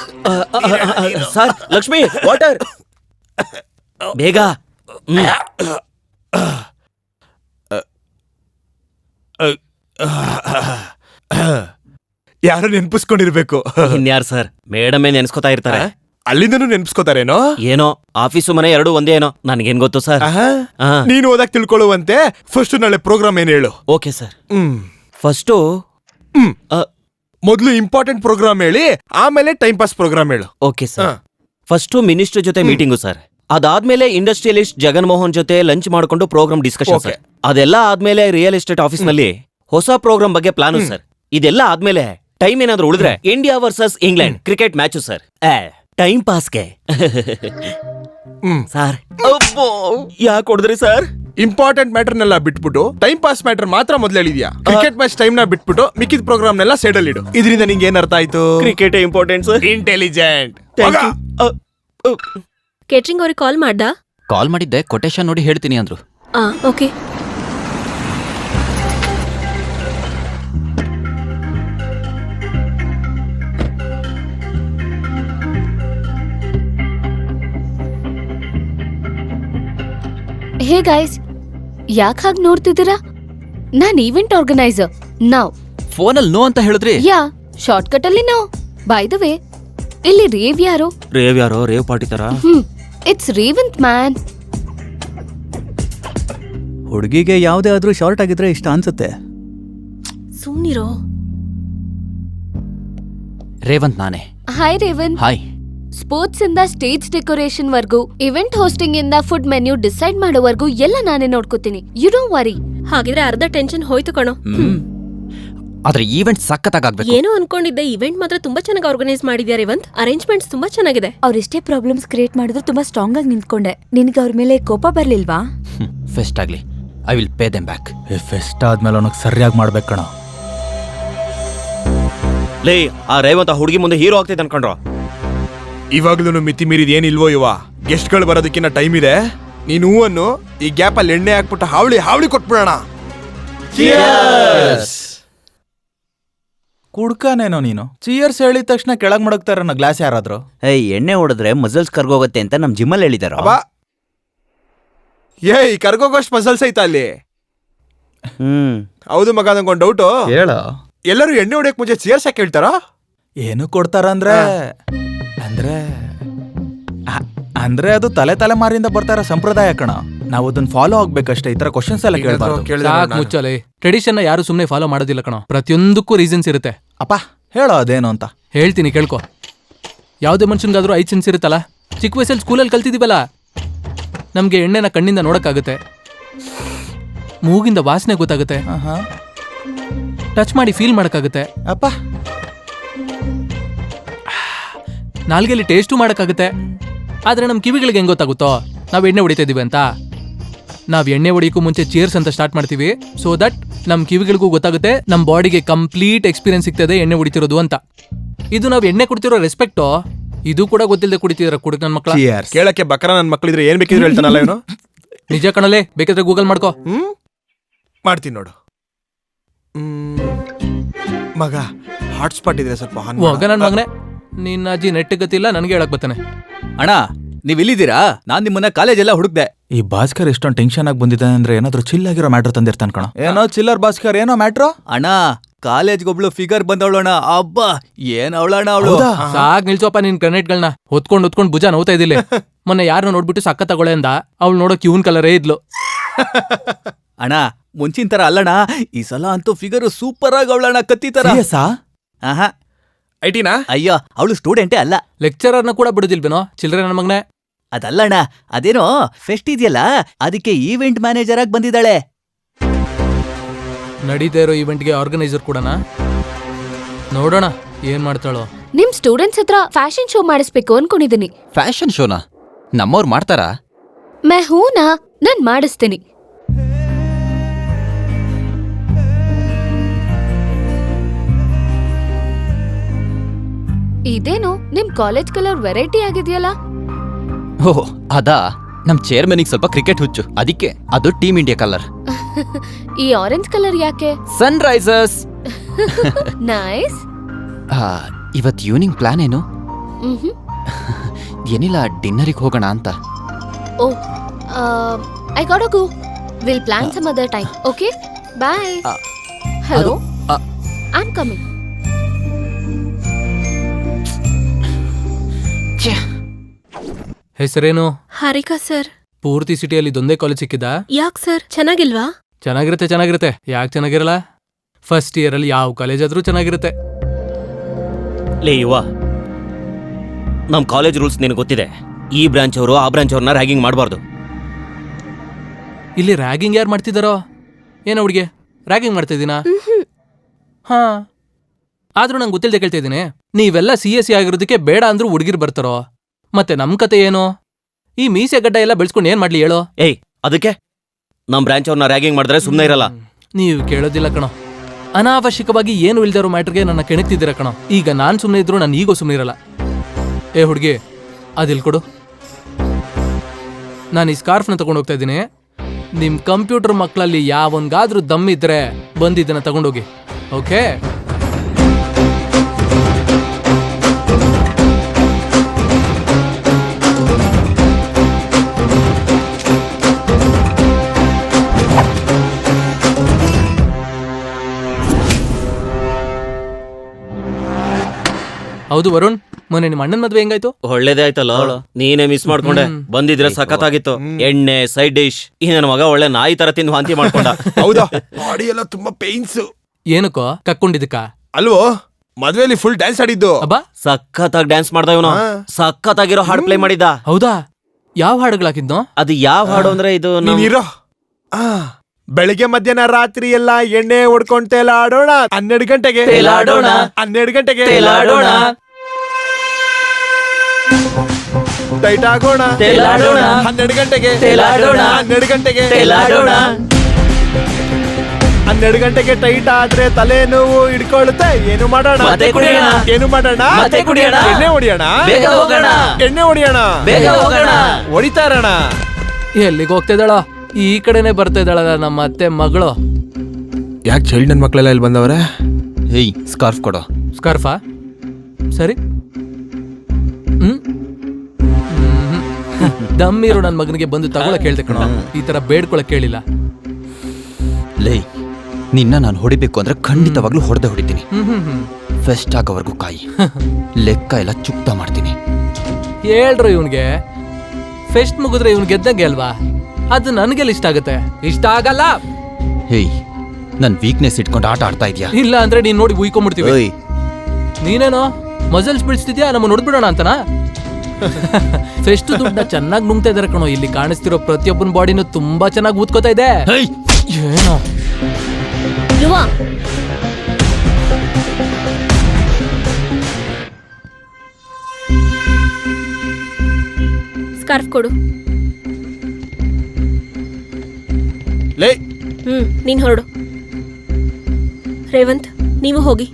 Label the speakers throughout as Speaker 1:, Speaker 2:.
Speaker 1: Sir Lakshmi water ಬೇಗ.
Speaker 2: ಯಾರು ನೆನ್ಪಿಸ್ಕೊಂಡಿರ್ಬೇಕು.
Speaker 1: ಇನ್ಯಾರು ಸರ್, ಮೇಡಮೇ ನೆನ್ಸ್ಕೊತಾ ಇರ್ತಾರೆ.
Speaker 2: ಅಲ್ಲಿಂದನೂ ನೆನ್ಪಿಸ್ಕೋತಾರೇನೋ.
Speaker 1: ಏನೋ ಆಫೀಸು ಮನೆ ಎರಡು ಒಂದೇ ಏನೋ, ನನ್ಗೇನ್ ಗೊತ್ತು ಸರ್.
Speaker 2: ನೀನು ಓದಕ್ ತಿಳ್ಕೊಳ್ಳುವಂತೆ ಫಸ್ಟ್ ನಾಳೆ ಪ್ರೋಗ್ರಾಮ್ ಏನ್ ಹೇಳು.
Speaker 1: Okay sir. ಫಸ್ಟು
Speaker 2: ಮೊದ್ಲು ಇಂಪಾರ್ಟೆಂಟ್ ಪ್ರೋಗ್ರಾಮ್ ಹೇಳಿ, ಆಮೇಲೆ ಟೈಮ್ ಪಾಸ್ ಪ್ರೋಗ್ರಾಮ್ ಹೇಳು.
Speaker 1: Okay sir. ಫಸ್ಟು ಮಿನಿಸ್ಟರ್ ಜೊತೆ ಮೀಟಿಂಗು ಸರ್. ಅದಾದ್ಮೇಲೆ ಇಂಡಸ್ಟ್ರಿಯಲಿಸ್ಟ್ ಜಗನ್ ಮೋಹನ್ ಜೊತೆ ಲಂಚ್ ಮಾಡ್ಕೊಂಡು ಪ್ರೋಗ್ರಾಮ್ ಡಿಸ್ಕಷನ್ ಸರ್. ಅದೆಲ್ಲ ಆದ್ಮೇಲೆ ರಿಯಲ್ ಎಸ್ಟೇಟ್ ಆಫೀಸ್ ನಲ್ಲಿ ಹೊಸ ಪ್ರೋಗ್ರಾಮ್ ಬಗ್ಗೆ ಪ್ಲಾನು ಸರ್. ಇದೆಲ್ಲ ಆದ್ಮೇಲೆ ಟೈಮ್ ಏನಾದ್ರು ಉಳಿದ್ರೆ India versus England cricket match sir. Time ಪಾಸ್ಗೆ ಸರ್. ಯಾಕೆ ಹೊಡೆದ್ರಿ ಸರ್?
Speaker 2: ಇಂಪಾರ್ಟೆಂಟ್ ಮ್ಯಾಟರ್ನೆಲ್ಲ ಬಿಟ್ಬಿಟ್ಟು ಟೈಮ್ ಪಾಸ್ ಮ್ಯಾಟರ್ ಮಾತ್ರ ಮೊದ್ಲು ಹೇಳಿದ್ಯಾ. ಕ್ರಿಕೆಟ್ ಮ್ಯಾಚ್ ಟೈಮ್ ನ ಬಿಟ್ಬಿಟ್ಟು ಮಿಕ್ಕಿದ ಪ್ರೋಗ್ರಾಮ್ ನೆಲ್ಲ ಸೈಡ್ ಅಲ್ಲಿ ಇಡು. ಇದರಿಂದ ನಿಂಗೆ ಏನ್ ಅರ್ಥ ಆಯ್ತು?
Speaker 1: Cricket important sir.
Speaker 2: Intelligent.
Speaker 3: Catering ಅವ್ರಿಗೆ ಕಾಲ್ ಮಾಡ್ದಾ?
Speaker 4: ಕಾಲ್ ಮಾಡಿದ್ದೆ, ಕೊಟೇಶನ್ ನೋಡಿ ಹೇಳ್ತೀನಿ ಅಂದ್ರು.
Speaker 3: ಓಕೆ.
Speaker 5: ಹೇ ಗೈಸ್, ಯಾಕೆ ಹಾಗೆ ನೋಡ್ತಿದ್ದೀರಾ? ನಾನ್ ಈವೆಂಟ್ ಆರ್ಗನೈಸರ್. ನಾವ್
Speaker 4: ಫೋನಲ್ಲಿ ನೋ ಅಂತ ಹೇಳಿದ್ರಿ.
Speaker 5: ಯಾ ಶಾರ್ಟ್ ಕಟ್ ಅಲ್ಲಿ ನೋ. ಬೈ ದ ವೇ, ಇಲ್ಲಿ ರೇವ್ ಯಾರು?
Speaker 1: ರೇವ್ ಪಾರ್ಟಿ ತರ.
Speaker 5: It's Revanth man.
Speaker 6: ಹುಡುಗಿಗೆ ಯಾವುದೇ ಆದ್ರೂ ಶಾರ್ಟ್ ಆಗಿದ್ರೆ ಇಷ್ಟ ಅನ್ಸುತ್ತೆ.
Speaker 3: ಸುಮ್ನಿರೋ.
Speaker 4: ರೇವಂತ್ ನಾನೇ.
Speaker 5: ಹಾಯ್ ರೇವಂತ್.
Speaker 4: ಹಾಯ್.
Speaker 5: ಸ್ಪೋರ್ಟ್ಸ್ ಇಂದ ಸ್ಟೇಜ್ ಡೆಕೋರೇಷನ್ ವರ್ಗೂ, ಇವೆಂಟ್ ಹೋಸ್ಟಿಂಗ್ ಇಂದ ಫುಡ್ ಮೆನ್ಯೂ ಡಿಸೈಡ್ ಮಾಡೋವರೆಗೂ ಎಲ್ಲ ನಾನೇ ನೋಡ್ಕೋತೀನಿ. You don't worry.
Speaker 3: ಹಾಗಿದ್ರೆ ಅರ್ಧ ಟೆನ್ಷನ್ ಹೋಯ್ತು ಕಣೋ.
Speaker 4: ಆದ್ರೆ ಈವೆಂಟ್ ಸಖತ್ತಾಗಬೇಕು.
Speaker 3: ಏನೋ ಅನ್ಕೊಂಡಿದ್ದೆ, ಇವೆಂಟ್ ಮಾತ್ರ ತುಂಬಾ ಚೆನ್ನಾಗಿ ಆರ್ಗನೈಸ್ ಮಾಡಿದ್ಯಾ ರೇವಂತ್. ಅರೇಂಜ್ಮೆಂಟ್ಸ್ ತುಂಬಾ ಚೆನ್ನಾಗಿದೆ.
Speaker 7: ಅವ್ರೆಷ್ಟೇ ಪ್ರಾಬ್ಲಮ್ಸ್ ಕ್ರಿಯೇಟ್ ಮಾಡಿದ್ರು ತುಂಬಾ ಸ್ಟ್ರಾಂಗ್ ಆಗಿ ನಿಂತ್ಕೊಂಡೆ. ನಿನ್ಗೆ ಅವ್ರ ಮೇಲೆ ಕೋಪ ಬರ್ಲಿಲ್ವಾ?
Speaker 4: ಫೆಸ್ಟ್ ಆಗ್ಲಿ, I will pay them back.
Speaker 6: Fest ಆದ್ಮೇಲೆ ಅವನಿಗೆ ಸರಿಯಾಗಿ ಮಾಡ್ಬೇಕು ಕಣ.
Speaker 1: ಲೇ, ಆ ರೇವಂತ್ ಹುಡುಗಿ ಮುಂದೆ ಹೀರೋ ಆಗ್ತೈತೆ ಅನ್ಕೊಂಡ್ರು.
Speaker 2: ಇವಾಗ್ಲೂ ಮಿತಿ ಮೀರಿದ ಏನಿಲ್ವೋ ಇವ. ಗೆಸ್ಟ್ ಗಳು ಬರೋದಕ್ಕಿನ್ನ ಟೈಮ್ ಇದೆ. ನೀನು ಹೂವನ್ನು ಈ ಗ್ಯಾಪ್ ಅಲ್ಲಿ ಎಣ್ಣೆ ಹಾಕ್ಬಿಟ್ಟು ಹಾವಳಿ ಕೊಟ್ಬಿಡೋಣ.
Speaker 6: ಕುಡ್ಕಾನೇನೋ ನೀನು. ಚಿಯರ್ಸ್ ಹೇಳಿದ ತಕ್ಷಣ ಕೆಳಗ್ ಮಡಗ್ತಾರ ಗ್ಲಾಸ್ ಯಾರಾದ್ರು.
Speaker 8: ಎಣ್ಣೆ ಹೊಡೆದ್ರೆ ಮಸಲ್ಸ್ ಕರ್ಗೋಗತ್ತೆ ಅಂತ ನಮ್ ಜಿಮ್ಮಲ್ಲಿ ಹೇಳಿದಾರ.
Speaker 2: ಏಯ್, ಕರ್ಗೋಗೋಷ್ಟು ಮಸಲ್ಸ್ ಐತ ಅಲ್ಲಿ? ಹೌದು ಮಗ, ನಂಗೊಂದು ಡೌಟು.
Speaker 6: ಹೇಳ.
Speaker 2: ಎಲ್ಲರೂ ಎಣ್ಣೆ ಹೊಡಿಯಕ್ ಮುಂಚೆ ಚಿಯರ್ಸ್ ಯಾಕೆ ಹೇಳ್ತಾರ?
Speaker 6: ಏನು ಕೊಡ್ತಾರ ಅಂದ್ರೆ ಅದು ತಲೆಮಾರಿಂದ ಬರ್ತಾರ ಸಂಪ್ರದಾಯ ಕಣ. ನಾವು ಅದನ್ನ ಫಾಲೋ ಆಗ್ಬೇಕಷ್ಟೇ. ಈ ತರ ಕ್ವಶನ್ಸ್ ಎಲ್ಲ ಕೇಳಬಾರ್ದು.
Speaker 9: ಮುಚ್ಚಲೆ. ಟ್ರೆಡಿಷನ್ ಯಾರು ಸುಮ್ನೆ ಫಾಲೋ ಮಾಡೋದಿಲ್ಲ ಕಣ. ಪ್ರತಿಯೊಂದಕ್ಕೂ ರೀಸನ್ಸ್ ಇರುತ್ತೆ.
Speaker 6: ಅಪ್ಪ ಹೇಳೋ ಅದೇನು ಅಂತ.
Speaker 9: ಹೇಳ್ತೀನಿ ಕೇಳ್ಕೊ. ಯಾವ್ದೇ ಮನುಷ್ಯನ್ಗಾದ್ರೂ 5 ಸೆನ್ಸ್ ಇರುತ್ತಲ್ಲ. ಚಿಕ್ಕ ವಯಸ್ಸಲ್ಲಿ ಸ್ಕೂಲಲ್ಲಿ ಕಲ್ತಿದೀವಲ್ಲ. ನಮ್ಗೆ ಎಣ್ಣೆನ ಕಣ್ಣಿಂದ ನೋಡಕ್ಕಾಗುತ್ತೆ, ಮೂಗಿಂದ ವಾಸನೆ ಗೊತ್ತಾಗುತ್ತೆ, ಟಚ್ ಮಾಡಿ ಫೀಲ್ ಮಾಡಕ್ಕಾಗುತ್ತೆ,
Speaker 6: ಅಪ್ಪ
Speaker 9: ನಾಲ್ಗೆಲಿ ಟೇಸ್ಟು ಮಾಡಕ್ಕಾಗುತ್ತೆ. ಆದ್ರೆ ನಮ್ ಕಿವಿಗಳಿಗೆ ಹೆಂಗ್ ಗೊತ್ತಾಗುತ್ತೋ ನಾವ್ ಎಣ್ಣೆ ಹೊಡಿತಾ ಇದೀವಿ ಅಂತ? ನಾವ್ ಎಣ್ಣೆ ಹೊಡಿಯಕ್ಕೂ ಮುಂಚೆ ಚೀರ್ಸ್ ಅಂತ ಸ್ಟಾರ್ಟ್ ಮಾಡ್ತೀವಿ. ಸೊ ದಟ್ ನಮ್ ಕಿವಿಗಳಿಗೂ ಗೊತ್ತಾಗುತ್ತೆ, ನಮ್ ಬಾಡಿಗೆ ಕಂಪ್ಲೀಟ್ ಎಕ್ಸ್ಪೀರಿಯನ್ಸ್ ಸಿಗ್ತದೆ ಎಣ್ಣೆ ಹೊಡಿತಿರೋದು ಅಂತ. ಇದು ನಾವ್ ಎಣ್ಣೆ ಕುಡಿತಿರೋ ರೆಸ್ಪೆಕ್ಟು. ಇದು ಕೂಡ ಗೊತ್ತಿಲ್ಲದೆ ಕುಡಿತಿದಾರ ಕುಡುಕ್ ನನ್ ಮಕ್ಳ.
Speaker 2: ಕೇಳಕ್ಕೆ ಬಕರ ನನ್ ಮಕ್ಳಿದ್ರೆ ಏನ್ ಬೇಕಿದ್ರು ಹೇಳ್ತಾನಲ್ಲ ಇವನು.
Speaker 9: ನಿಜ ಕಣಲೆ, ಬೇಕಾದ್ರೆ ಗೂಗಲ್ ಮಾಡ್ಕೋ.
Speaker 2: ಮಾಡ್ತೀನಿ ನೋಡು. ಮಗ ಹಾಟ್ಸ್ಪಾಟ್ ಇದ್ರೆ ಸ್ವಲ್ಪ
Speaker 9: ಹೋಗ ನನ್ ಮಗನೆ. ನಿನ್ನ ಅಜ್ಜಿ ನೆಟ್ ಗತಿಲ್ಲ, ನನ್ಗೆ ಹೇಳಕ್ ಬರ್ತಾನೆ.
Speaker 6: ಅಣ್ಣ ನೀವ್ ಇಲ್ಲಿದ್ದೀರಾ? ನಾನ್ ನಿಮ್ಮನ್ನ ಕಾಲೇಜ್ ಎಲ್ಲ ಹುಡುಕ್ದೆ. ಈ ಭಾಸ್ಕರ್ ಎಷ್ಟೊಂದು ಟೆನ್ಷನ್ ಆಗಿ ಬಂದಿದ್ದಾನೆ ಅಂದ್ರೆ ಏನಾದ್ರು ಚಿಲ್ ಆಗಿರೋ ಮ್ಯಾಟ್ರ್ ತಂದಿರ್ತಾನ ಕಣ. ಏನೋ ಚಿಲ್ಲರ್ ಭಾಸ್ಕರ್, ಏನೋ ಮ್ಯಾಟ್ರು ಅಣ್ಣ. ಕಾಲೇಜ್ಗೊಬ್ಳು ಫಿಗರ್ ಬಂದವಳಣ್ಣ. ಅಬ್ಬಾ ಏನ್ ಅವಳಣ್ಣ ಅವಳು.
Speaker 9: ಸಾಕ್ ನಿಲ್ಸೋಪ ನಿನ್ ಗ್ರೆನೇಟ್ಗಳನ್ನ. ಹೊತ್ಕೊಂಡ್ ಭುಜ ನೋವ್ತಾ ಇದಿಲ್ಲ. ಮೊನ್ನೆ ಯಾರನ್ನ ನೋಡ್ಬಿಟ್ಟು ಸಕ್ಕ ತಗೊಳ್ಳೆ ಅಂದ. ಅವಳು ನೋಡೋಕ್ ಇವನ್ ಕಲರೇ ಇದ್ಲು.
Speaker 6: ಅಣ್ಣ ಮುಂಚಿನ ತರ ಅಲ್ಲಣ್ಣ, ಈ ಸಲ ಅಂತೂ ಫಿಗರ್ ಸೂಪರ್ ಆಗಿ ಅವಳಣ್ಣ. ಕತ್ತಿ ತರ.
Speaker 2: ಐಟಿನಾ?
Speaker 8: ಅಯ್ಯೋ, ಅವಳು ಸ್ಟೂಡೆಂಟೇ ಅಲ್ಲ.
Speaker 9: ಲೆಕ್ಚರರ್ನ ಕೂಡ ಬಿಡುದಿಲ್ವೇನೋ ಚಿಲ್ಡ್ರೆ ನನ್ನ ಮಗನೇ.
Speaker 8: ಅದಲ್ಲಣ್ಣ, ಅದೇನೋ ಫೆಸ್ಟ್ ಇದೆಯಲ್ಲ, ಅದಕ್ಕೆ ಈವೆಂಟ್ ಮ್ಯಾನೇಜರ್ ಆಗಿ ಬಂದಿದ್ದಾಳೆ.
Speaker 9: ನಡೀತಾ ಇರೋ ಈವೆಂಟ್ಗೆ ಆರ್ಗನೈಸರ್ ಕೂಡನಾ? ನೋಡೋಣ ಏನ್ ಮಾಡ್ತಾಳೋ.
Speaker 5: ನಿಮ್ ಸ್ಟೂಡೆಂಟ್ಸ್ ಹತ್ರ ಫ್ಯಾಷನ್ ಶೋ ಮಾಡಿಸ್ಬೇಕು ಅನ್ಕೊಂಡಿದೀನಿ.
Speaker 4: ಫ್ಯಾಷನ್ ಶೋನಾ? ನಮ್ಮವ್ರು ಮಾಡ್ತಾರಾ?
Speaker 5: ಹೂನಾ, ನಾನ್ ಮಾಡಿಸ್ತೀನಿ. ಇದೇನು ನಿಮ್ ಕಾಲೇಜ್ ಕಲರ್ ವೆರೈಟಿ ಆಗಿದೆಯಲ್ಲ?
Speaker 4: ಓಹ್ ಅದಾ, ನಮ್ ಚೇರ್ಮನಿಗೆ ಸ್ವಲ್ಪ ಕ್ರಿಕೆಟ್ ಹುಚ್ಚು, ಅದಕ್ಕೆ ಅದು ಟೀಮ್ ಇಂಡಿಯಾ ಕಲರ್.
Speaker 5: ಈ ಆರೆಂಜ್ ಕಲರ್ ಯಾಕೆ?
Speaker 4: Sunrisers.
Speaker 5: ನೈಸ್.
Speaker 4: ಇವತ್ ಈವ್ನಿಂಗ್ ಪ್ಲಾನ್ ಏನು? ಏನಿಲ್ಲ ಡಿನ್ನರಿಗೆ ಹೋಗೋಣ ಅಂತ.
Speaker 5: Oh I got go. Will plan some other time. Okay bye. Hello, I am coming.
Speaker 9: ಹೆಸರೇನು?
Speaker 3: ಹಾರಿಕಾ ಸರ್.
Speaker 9: ಪೂರ್ತಿ ಸಿಟಿಯಲ್ಲಿ ಇದೊಂದೇ ಕಾಲೇಜ್ ಸಿಕ್ಕಿದ?
Speaker 3: ಯಾಕ್ ಸರ್, ಚೆನ್ನಾಗಿಲ್ವಾ?
Speaker 9: ಚೆನ್ನಾಗಿರುತ್ತೆ. ಯಾಕೆ ಚೆನ್ನಾಗಿರಲ್ಲ? ಫಸ್ಟ್ ಇಯರ್ ಅಲ್ಲಿ ಯಾವ ಕಾಲೇಜ್ ಆದ್ರೂ ಚೆನ್ನಾಗಿರುತ್ತೆ.
Speaker 1: ಲೇ ಯುವ, ನಮ್ ಕಾಲೇಜ್ ರೂಲ್ಸ್ ನಿನಗೆ ಗೊತ್ತಿದೆ. ಈ ಬ್ರಾಂಚ್ ಅವರು ಆ ಬ್ರಾಂಚ್ ಅವ್ರನ್ನ ರ್ಯಾಗಿಂಗ್ ಮಾಡಬಾರ್ದು.
Speaker 9: ಇಲ್ಲಿ ರ್ಯಾಗಿಂಗ್ ಯಾರು ಮಾಡ್ತಿದಾರೋ ಏನೋ? ಹುಡುಗಿ ರ್ಯಾಗಿಂಗ್ ಮಾಡ್ತಾ ಇದ್ದೀನಾ? ಹಾ, ಆದ್ರೂ ನಂಗೆ ಗೊತ್ತಿಲ್ಲದೆ ಕೇಳ್ತಾ ಇದ್ದೀನಿ. ನೀವೆಲ್ಲ CSE ಆಗಿರೋದಕ್ಕೆ ಬೇಡ ಅಂದ್ರೂ ಹುಡುಗಿರ್ ಬರ್ತಾರೋ? ಮತ್ತೆ ನಮ್ ಕತೆ ಏನು? ಈ ಮೀಸೆ ಗಡ್ಡ ಎಲ್ಲ ಬೆಳೆಸ್ಕೊಂಡು ಏನ್ ಮಾಡ್ಲಿ ಹೇಳೋ?
Speaker 1: ಏಯ್, ಅದಕ್ಕೆ ನಮ್ ಬ್ರಾಂಚ್ ಅವ್ರನ್ನ ರ್ಯಾಗಿಂಗ್ ಮಾಡಿದ್ರೆ ಸುಮ್ಮನೆ ಇರಲ್ಲ.
Speaker 9: ನೀವು ಕೇಳೋದಿಲ್ಲ ಕಣೋ. ಅನಾವಶ್ಯಕವಾಗಿ ಏನು ಇಲ್ದಿರೋ ಮ್ಯಾಟ್ರಿಗೆ ನನ್ನ ಕೆಣಕ್ತಿದ್ದೀರ ಕಣೋ. ಈಗ ನಾನ್ ಸುಮ್ಮನೆ ಇದ್ರು ನಾನು ಈಗೋ ಸುಮ್ಮನೆ ಇರಲ್ಲ. ಏ ಹುಡುಗಿ, ಅದಿಲ್ ಕೊಡು. ನಾನು ಈ ಸ್ಕಾರ್ಫ್ನ ತಗೊಂಡು ಹೋಗ್ತಾ ಇದ್ದೀನಿ. ನಿಮ್ ಕಂಪ್ಯೂಟರ್ ಮಕ್ಕಳಲ್ಲಿ ಯಾವನ್ಗಾದ್ರೂ ದಮ್ಮಿದ್ರೆ ಬಂದಿದ್ದನ್ನ ತಗೊಂಡೋಗಿ. ಓಕೆ? ಹೌದು ವರುಣ್, ಮೊನ್ನೆ ನಿಮ್ಮ ಅಣ್ಣನ ಮದ್ವೆ ಹೆಂಗಾಯ್ತು?
Speaker 1: ಒಳ್ಳೇದೇ ಆಯ್ತಲ್ಲ, ನೀನೇ ಮಿಸ್ ಮಾಡ್ಕೊಂಡೆ. ಬಂದಿದ್ರೆ ಸಖತ್ತಾಗಿತ್ತು. ಎಣ್ಣೆ, ಸೈಡ್ ಡಿಶ್. ಈ ನನ್ನ ಮಗ ಒಳ್ಳೆ ನಾಯಿ ತರ ತಿಂದು ವಾಂತಿ ಮಾಡ್ಕೊಂಡ.
Speaker 2: ಹೌದಾ? ಬಾಡಿ ಎಲ್ಲ ತುಂಬಾ ಪೇನ್ಸ್.
Speaker 9: ಏನಕ್ಕೋ ಕಕ್ಕೊಂಡಿದ್ದಕ್ಕ?
Speaker 2: ಅಲ್ವೋ, ಮದ್ವೆಲಿ ಫುಲ್ ಡ್ಯಾನ್ಸ್ ಆಡಿದ್ದು.
Speaker 9: ಅಬ್ಬಾ,
Speaker 1: ಸಖತ್ತಾಗಿ ಡ್ಯಾನ್ಸ್ ಮಾಡ್ದ ಇವನು. ಸಖತ್ತಾಗಿರೋ ಹಾಡು ಪ್ಲೇ ಮಾಡಿದ್ದ.
Speaker 9: ಹೌದಾ? ಯಾವ ಹಾಡುಗಳಾಕಿದ್ನೋ?
Speaker 1: ಅದು ಯಾವ ಹಾಡು ಅಂದ್ರೆ ಇದು
Speaker 2: ನೀನಿರೋ. ಬೆಳಿಗ್ಗೆ ಮಧ್ಯಾಹ್ನ ರಾತ್ರಿ ಎಲ್ಲ ಎಣ್ಣೆ ಹೊಡ್ಕೊಂಡ್ ತೇಲಾಡೋಣ. 12 ಗಂಟೆಗೆ
Speaker 1: ತೇಲಾಡೋಣ.
Speaker 2: 12 ಗಂಟೆಗೆ
Speaker 1: ತೇಲಾಡೋಣ.
Speaker 2: ಟೈಟ್ ಆಗೋಣ.
Speaker 1: ತೇಲಾಡೋಣ.
Speaker 2: 12 ಗಂಟೆಗೆ
Speaker 1: ತೇಲಾಡೋಣ.
Speaker 2: 12 ಗಂಟೆಗೆ
Speaker 1: ತೇಲಾಡೋಣ.
Speaker 2: 12 ಗಂಟೆಗೆ ಟೈಟ್ ಆದ್ರೆ ತಲೆ ನೋವು ಹಿಡ್ಕೊಳುತ್ತೆ. ಏನು ಮಾಡೋಣ?
Speaker 1: ಮತ್ತೆ ಕುಡಿಯೋಣ.
Speaker 2: ಏನು ಮಾಡೋಣ?
Speaker 1: ಮತ್ತೆ ಕುಡಿಯೋಣ.
Speaker 2: ಎಣ್ಣೆ ಹೊಡಿಯೋಣ.
Speaker 1: ಬೇಗ ಹೋಗೋಣ.
Speaker 2: ಎಣ್ಣೆ ಹೊಡಿಯೋಣ.
Speaker 1: ಬೇಗ ಹೋಗೋಣ.
Speaker 2: ಹೊಡಿತಾ ಇರೋಣ.
Speaker 9: ಎಲ್ಲಿಗೆ ಹೋಗ್ತಿದ್ದಾಳ? ಈ ಕಡೆನೆ ಬರ್ತಾ ಇದ್ದಾಳಲ್ಲ ನಮ್ಮ ಅತ್ತೆ ಮಗಳು.
Speaker 2: ಯಾಕೆ ಚೈಲ್ಡ್ ನನ್ ಮಕ್ಕಳೆಲ್ಲ ಇಲ್ಲಿ ಬಂದವ್ರೆ?
Speaker 4: ಹೇಯ್, ಸ್ಕಾರ್ಫ್ ಕೊಡೋ.
Speaker 9: ಸ್ಕಾರ್ಫಾ? ಸರಿ. ದಮ್ಮಿರು ನನ್ನ ಮಗನಿಗೆ ಬಂದು ತಗೊಳಕ್ ಹೇಳ್ದೆ ಕಣೋ. ಈ ತರ ಬೇಡ್ಕೊಳಕ್ ಕೇಳಿಲ್ಲ.
Speaker 4: ಲೇ, ನಿನ್ನ ನಾನು ಹೊಡಿಬೇಕು ಅಂದ್ರೆ ಖಂಡಿತವಾಗ್ಲೂ ಹೊಡೆದಿದ್ದೀನಿ. ಫೆಸ್ಟ್ ಆಗೋವರೆಗೂ ಕಾಯಿ. ಲೆಕ್ಕ ಎಲ್ಲ ಚುಕ್ತ ಮಾಡ್ತೀನಿ.
Speaker 9: ಹೇಳ್ರು ಇವನ್ಗೆ. ಫೆಸ್ಟ್ ಮುಗಿದ್ರೆ ಇವ್ನ್ ಗೆದ್ದಂಗೆ ಅಲ್ವಾ? ಅದು ನನ್ಗೆಲ್ಲ ಇಷ್ಟ ಆಗತ್ತೆ. ಇಷ್ಟ ಆಗಲ್ಲ.
Speaker 4: ಹೇಯ್, ನನ್ ವೀಕ್ನೆಸ್ ಇಟ್ಕೊಂಡು ಆಟ ಆಡ್ತಾ ಇದ್ಯಾ?
Speaker 9: ಇಲ್ಲ ಅಂದ್ರೆ ನೀನ್ ನೋಡಿ ಉಯ್ಕೊಂಡ್ಬಿಡ್ತೀವಿ. ನೀನೇನೋ ಮಸಲ್ಸ್ ಬಿಡಿಸ್ತಿದ್ಯಾ, ನಮ್ಮ ನೋಡ್ಬಿಡೋಣ ಅಂತನಾ? ಫೆಸ್ಟ್ ದುಡ್ಡ ಚೆನ್ನಾಗಿ ನುಂಗ್ತಾ ಇದಾರೆ ಕಣೋ. ಇಲ್ಲಿ ಕಾಣಿಸ್ತಿರೋ ಪ್ರತಿಯೊಬ್ಬನ ಬಾಡಿನೂ ತುಂಬಾ ಚೆನ್ನಾಗಿ ಊದ್ಕೋತಾ ಇದೆ. ಏನೋ
Speaker 3: ಯುವ, ಸ್ಕಾರ್ಫ್ ಕೊಡು.
Speaker 2: ಲೇ,
Speaker 3: ನೀನ್ ಹೊರಡು. ರೇವಂತ್, ನೀವು ಹೋಗಿ.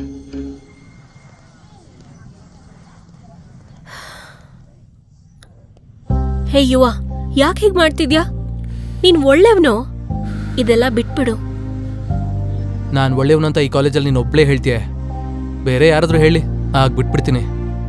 Speaker 3: ಹೇ ಯುವ, ಯಾಕೆ ಹೀಗ್ ಮಾಡ್ತಿದ್ಯಾ? ನೀನ್ ಒಳ್ಳೆಯವನು. ಇದೆಲ್ಲ ಬಿಟ್ಬಿಡು.
Speaker 9: ನಾನ್ ಒಳ್ಳೆಯವನಂತ ಈ ಕಾಲೇಜಲ್ಲಿ ನೀನ್ ಒಬ್ಳೇ ಹೇಳ್ತೀಯ. ಬೇರೆ ಯಾರಾದ್ರೂ ಹೇಳಿ, ಆಗ ಬಿಟ್ಬಿಡ್ತೀನಿ.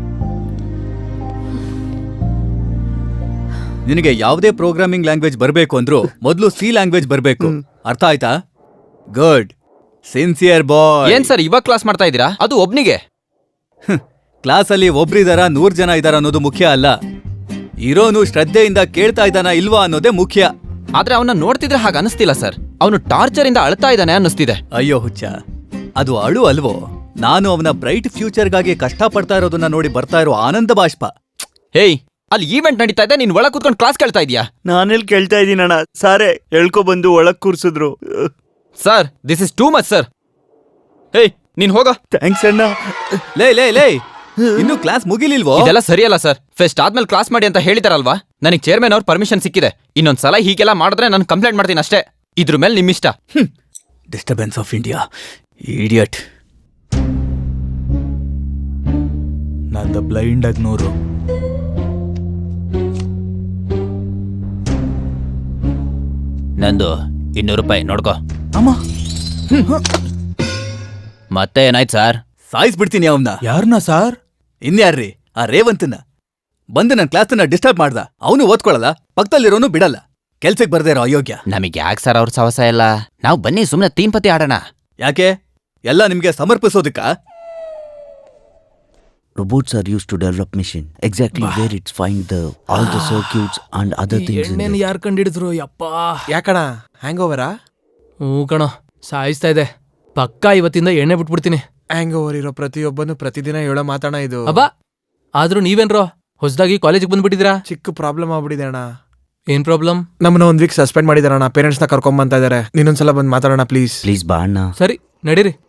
Speaker 6: ನಿನಗೆ ಯಾವುದೇ ಪ್ರೋಗ್ರಾಮಿಂಗ್ ಲ್ಯಾಂಗ್ವೇಜ್ ಬರಬೇಕು ಅಂದ್ರೂ ಮೊದಲು ಸಿ ಲ್ಯಾಂಗ್ವೇಜ್ ಬರಬೇಕು. ಅರ್ಥ ಆಯ್ತಾ? Good, sincere boy.
Speaker 4: ಏನ್ ಸರ್ ಇವಾಗ ಕ್ಲಾಸ್ ಮಾಡ್ತಾ ಇದ್ದೀರಾ? ಅದು ಒಬ್ನಿಗೆ.
Speaker 6: ಕ್ಲಾಸಲ್ಲಿ ಒಬ್ರಿದಾರ 100 ಜನ ಇದಾರ ಅನ್ನೋದು ಮುಖ್ಯ ಅಲ್ಲ. ಇರೋನು ಶ್ರದ್ಧೆಯಿಂದ ಕೇಳ್ತಾ ಇದ್ದಾನ ಇಲ್ವಾ ಅನ್ನೋದೇ ಮುಖ್ಯ.
Speaker 4: ಆದ್ರೆ ಅವನ್ನ ನೋಡ್ತಿದ್ರೆ ಹಾಗೆ ಅನಿಸ್ತಿಲ್ಲ ಸರ್. ಅವನು ಟಾರ್ಚರ್ ಇಂದ ಅಳ್ತಾ ಇದ್ದಾನೆ ಅನ್ನಿಸ್ತಿದೆ.
Speaker 6: ಅಯ್ಯೋ ಹುಚ್ಚ, ಅದು ಅಳು ಅಲ್ವೋ. ನಾನು ಅವನ ಬ್ರೈಟ್ ಫ್ಯೂಚರ್ಗಾಗಿ ಕಷ್ಟಪಡ್ತಾ ಇರೋದನ್ನ ನೋಡಿ ಬರ್ತಾ ಇರೋ ಆನಂದ ಬಾಷ್ಪ.
Speaker 4: ಹೇಯ್, ಅಲ್ಲಿ ಈವೆಂಟ್ ನಡೀತಾ ಇದೆ, ನೀನ್ ಒಳಗ್ ಕೂತ್ಕೊಂಡು ಕ್ಲಾಸ್ ಕೇಳ್ತಾ ಇದೀಯಾ?
Speaker 1: ನಾನೆಲ್ಲಿ ಕೇಳ್ತಾ ಇದ್ದೀನಣ್ಣ. ಸಾರೇ ಎಳ್ಕೊ ಬಂದು ಒಳಗ್ ಕೂರ್ಸಿದ್ರು.
Speaker 4: Sir, this is too much sir. Hey, ನೀನ್ ಹೋಗ.
Speaker 1: ಥ್ಯಾಂಕ್ಸ್ ಅಣ್ಣ.
Speaker 6: ಲೇ, ಇನ್ನು ಕ್ಲಾಸ್ ಮುಗಿಲಿಲ್ವೋ?
Speaker 4: ಇದೆಲ್ಲ ಸರಿಯಲ್ಲ ಸರ್. ಫೆಸ್ಟ್ ಆದ್ಮೇಲೆ ಕ್ಲಾಸ್ ಮಾಡಿ ಅಂತ ಹೇಳಿದಾರಲ್ವಾ? ನನಗೆ ಚೇರ್ಮನ್ ಅವ್ರ ಪರ್ಮಿಷನ್ ಸಿಕ್ಕಿದೆ. ಇನ್ನೊಂದ್ಸಲ ಹೀಗೆಲ್ಲ ಮಾಡಿದ್ರೆ ನಾನು ಕಂಪ್ಲೇಂಟ್ ಮಾಡ್ತೀನಿ ಅಷ್ಟೇ. ಇದ್ರ ಮೇಲೆ ನಿಮ್ಮಿಷ್ಟ.
Speaker 6: Disturbance of India, idiot. ನಂದು ಬ್ಲೈಂಡ್ ಆಗಿ 100.
Speaker 4: ನಂದು 200 ರೂಪಾಯಿ ನೋಡ್ಕೋ.
Speaker 6: ಅಮ್ಮ,
Speaker 4: ಮತ್ತೆ ಏನಾಯ್ತು ಸರ್?
Speaker 6: ಸಾಯಿಸ್ಬಿಡ್ತೀನಿ ಅವನ್ನ.
Speaker 2: ಯಾರನ್ನ ಸಾರ್?
Speaker 6: ಇನ್ಯಾರ್ರಿ, ಆ ರೇವಂತನ ಬಂದು ನನ್ನ ಕ್ಲಾಸ್ನ ಡಿಸ್ಟರ್ಬ್ ಮಾಡ್ದ. ಅವನು ಓದ್ಕೊಳಲ್ಲ, ಪಕ್ಕದಲ್ಲಿರೋನು ಬಿಡಲ್ಲ. ಕೆಲ್ಸಕ್ಕೆ ಬರ್ದೇ ಇರೋ ಅಯೋಗ್ಯ.
Speaker 4: ನಮಗೆ ಯಾಕೆ ಸರ್ ಅವ್ರ ಸವಸ ಇಲ್ಲ, ನಾವು ಬನ್ನಿ ಸುಮ್ಮನೆ ತೀನ್ ಪತಿ ಆಡೋಣ.
Speaker 6: ಯಾಕೆ? ಎಲ್ಲ ನಿಮ್ಗೆ ಸಮರ್ಪಿಸೋದಕ್ಕ?
Speaker 10: Robots are used to develop machine. Exactly where it's find all the circuits and other things in
Speaker 9: ಎಣ್ಣೆನ
Speaker 10: there.
Speaker 9: ಯಾರು ಕಂಡಿಡಿದ್ರು ಯಪ್ಪ.
Speaker 2: ಯಾಕಣ ಹ್ಯಾಂಗ್ ಓವರಾ?
Speaker 9: ಹ್ಞೂ ಕಣೋ, ಸಾಯಿಸ್ತಾ ಇದೆ. ಪಕ್ಕಾ ಇವತ್ತಿಂದ ಎಣ್ಣೆ ಬಿಟ್ಬಿಡ್ತೀನಿ.
Speaker 2: ಹ್ಯಾಂಗ್ ಓವರ್ ಇರೋ ಪ್ರತಿಯೊಬ್ಬನು ಪ್ರತಿದಿನ ಹೇಳೋ ಮಾತಾಣ ಇದು.
Speaker 9: ಅಬ್ಬಾ, ಆದ್ರೂ ನೀವೇನ್ರೋ ಹೊಸದಾಗಿ ಕಾಲೇಜಿಗೆ ಬಂದ್ಬಿಟ್ಟಿದ್ದೀರಾ?
Speaker 2: ಚಿಕ್ಕ ಪ್ರಾಬ್ಲಮ್ ಆಗ್ಬಿಟ್ಟಿದೆ ಅಣ್ಣ.
Speaker 9: ಏನ್ ಪ್ರಾಬ್ಲಮ್?
Speaker 2: ನಮ್ಮನ್ನ 1 ವೀಕ್ ಸಸ್ಪೆಂಡ್ ಮಾಡಿದಾರಣ್ಣ. ಪೇರೆಂಟ್ಸ್ನ ಕರ್ಕೊಂಡ್ ಬಂತಾ ಇದಾರೆ. ನೀನೊಂದ್ಸಲ ಬಂದು ಮಾತಾಡೋಣ ಪ್ಲೀಸ್.
Speaker 10: Please ಬಾ ಅಣ್ಣ.
Speaker 9: ಸರಿ, ನಡೀರಿ.